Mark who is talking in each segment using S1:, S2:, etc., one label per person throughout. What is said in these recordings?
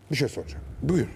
S1: Bir şey soracağım.
S2: Buyur.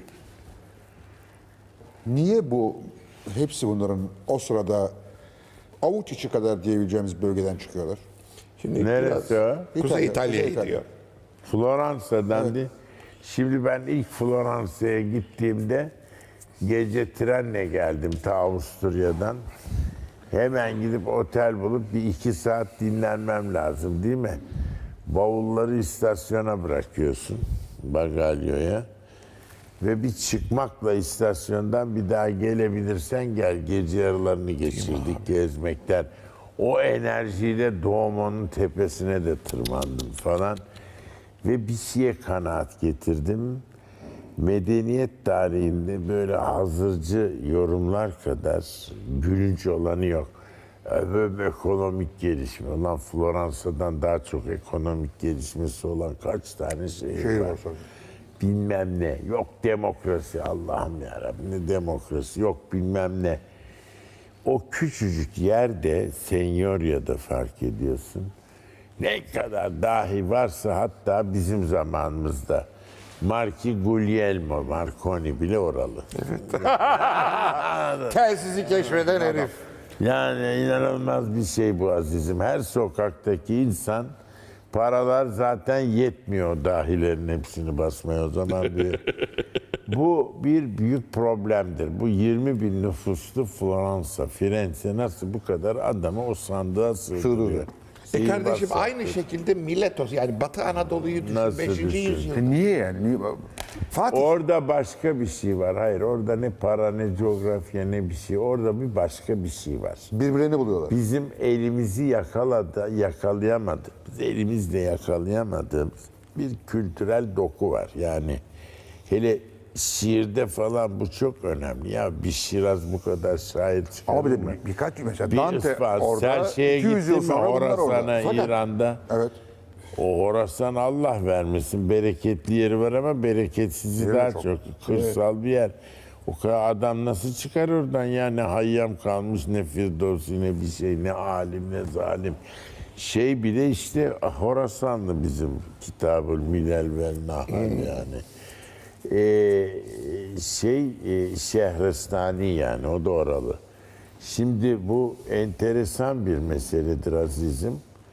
S1: Niye hepsi bunların o sırada avuç içi kadar diyebileceğimiz bölgeden çıkıyorlar?
S2: Şimdi
S3: Neresi
S2: biraz
S3: o?
S2: Kuzey İtalya'ya
S1: Kuzey İtalya.
S2: gidiyor.
S3: Floransa'dan değil. Şimdi ben ilk Floransa'ya gittiğimde gece trenle geldim ta Avusturya'dan. Hemen gidip otel bulup bir 2 saat dinlenmem lazım değil mi? Bavulları istasyona bırakıyorsun, bagalyoya. Ve bir çıkmakla istasyondan bir daha gelebilirsen gel. Gece yarılarını geçirdik gezmekten. O enerjiyle Doğumon'un tepesine de tırmandım falan. Ve bir şeye kanaat getirdim. Medeniyet tarihinde böyle hazırcı yorumlar kadar gülünç olanı yok. Böyle ekonomik gelişme. Ulan Floransa'dan daha çok ekonomik gelişmesi olan kaç tane şehir var. Bilmem ne. Yok demokrasi. Allah'ım yarabbim ne demokrasi. Yok bilmem ne. O küçücük yerde Senyoria'da fark ediyorsun. Ne kadar dahi varsa hatta bizim zamanımızda. Guglielmo Marconi bile oralı.
S2: Telsizi keşfeden herif.
S3: Yani inanılmaz bir şey bu azizim. Her sokaktaki insan paralar zaten yetmiyor dahilerin hepsini basmaya o zaman. Bu bir büyük problemdir. Bu 20 bin nüfuslu Floransa, Firenze nasıl bu kadar adamı o sandığa sığdırıyor?
S2: Kardeşim aynı şekilde Miletos yani Batı Anadolu'yu düşün.
S3: Nasıl
S2: 5.
S3: düşün?
S2: yüzyıl.
S1: Niye yani? Fatih
S3: Orada başka bir şey var. Hayır orada ne para ne coğrafya ne bir şey. Orada bir başka bir şey var.
S1: birbirlerini buluyorlar.
S3: Bizim elimizi yakalayamadık. Biz elimizle yakalayamadığımız bir kültürel doku var. Yani hele şiirde falan bu çok önemli. Ya bir Şiraz bu kadar şair çıkarır
S1: Ama bir
S3: mı?
S1: de birkaç mesela
S3: Bir
S1: Dante
S3: Isfahan,
S1: orada,
S3: Serşe'ye
S1: 200 yıl
S3: gitti mi
S1: sonra bunlar orada.
S3: Horasan'a,
S1: Fakat-
S3: İran'da?
S1: Evet.
S3: O Horasan Allah vermesin. Bereketli yeri var ama bereketsizi
S1: Yeri
S3: daha
S1: çok.
S3: çok. Kırsal bir yer. O kadar adam nasıl çıkar oradan ya? Ne Hayyam kalmış, ne Firdevsi, ne bir şey, ne alim, ne zalim. Şey bile işte Horasanlı bizim Kitabül Milal vel Nahal yani. Şehristani yani o da oralı. Şimdi bu enteresan bir meseledir azizim.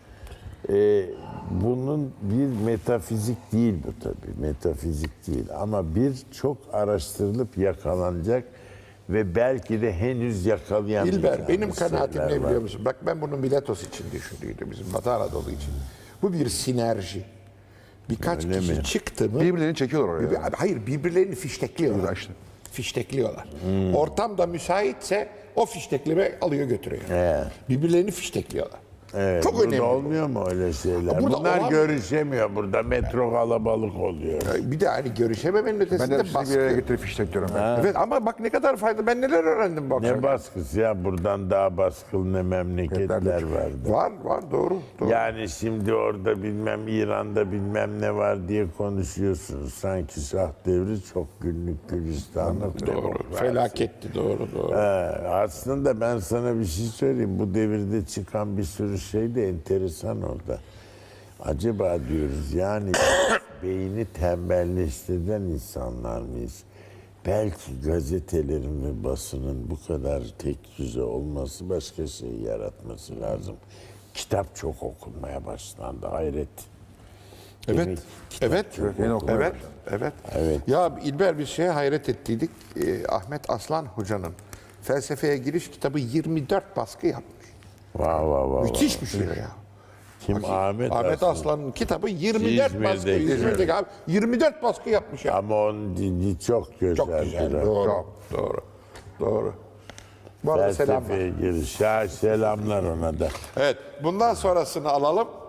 S3: Bunun bir metafizik değil bu tabii. Metafizik değil ama bir çok araştırılıp yakalanacak ve belki de henüz yakalayamayacağımız
S2: İlber benim kanaatim
S3: şeyler
S2: ne biliyor
S3: var.
S2: musun? Bak ben bunu Miletos için düşündüydüm bizim Batı Anadolu için. Bu bir sinerji. Birkaç
S3: Öyle
S2: kişi
S3: mi?
S2: çıktı mı?
S1: Birbirlerini çekiyorlar oraya.
S2: Hayır birbirlerini fiştekliyorlar.
S1: Güzel işte.
S2: Fiştekliyorlar. Ortam da müsaitse o fiştekleme alıyor götürüyor.
S3: Evet.
S2: Birbirlerini fiştekliyorlar.
S3: Evet,
S2: Çok
S3: burada
S2: önemli.
S3: olmuyor mu öyle şeyler?
S2: Burada
S3: Bunlar
S2: olan-
S3: görüşemiyor burada. Metro kalabalık oluyor.
S2: Bir de hani görüşememenin
S1: Ben
S2: ötesinde
S1: de sizi bir yere
S2: baskı.
S1: getirip fiştekliyorum.
S2: Evet ama bak ne kadar fayda. Ben neler öğrendim bu akşam.
S3: Ne baskısı ya? Buradan daha baskılı ne memleketler vardı.
S2: Var doğru.
S3: Yani şimdi orada bilmem İran'da bilmem ne var diye konuşuyorsunuz. Sanki Şah devri çok günlük Gülistan'da.
S2: Doğru. Felaketti doğru.
S3: Aslında ben sana bir şey söyleyeyim. Bu devirde çıkan bir sürü şey de enteresan orada. Acaba diyoruz yani beyni tembelleştiren insanlar mıyız? Belki gazetelerin ve basının bu kadar tek düze olması başka şey yaratması lazım. Kitap çok okunmaya başlandı. Hayret. Demek
S2: Evet.
S3: ki kitap
S2: Evet.
S3: çok
S1: Yeni
S3: okunmaya
S1: okumaya
S2: Evet.
S3: Evet.
S2: Ya İlber bir şeye hayret ettiydik. Ahmet Aslan Hoca'nın felsefeye giriş kitabı 24 baskı yapmış.
S3: Vah.
S2: Müthiş bir şey ya.
S3: Kim? Ahmet
S2: Aslan'ın kitabı 24
S3: İzmir'de,
S2: baskı.
S3: İzmir'de.
S2: İzmir'deki abi 24 baskı yapmış ya.
S3: Ama onun dili çok güzel.
S2: Çok güzel. Doğru. Bu arada selam var.
S3: Felsefeye giriş. Selamlar ona da.
S2: Evet. Bundan sonrasını alalım.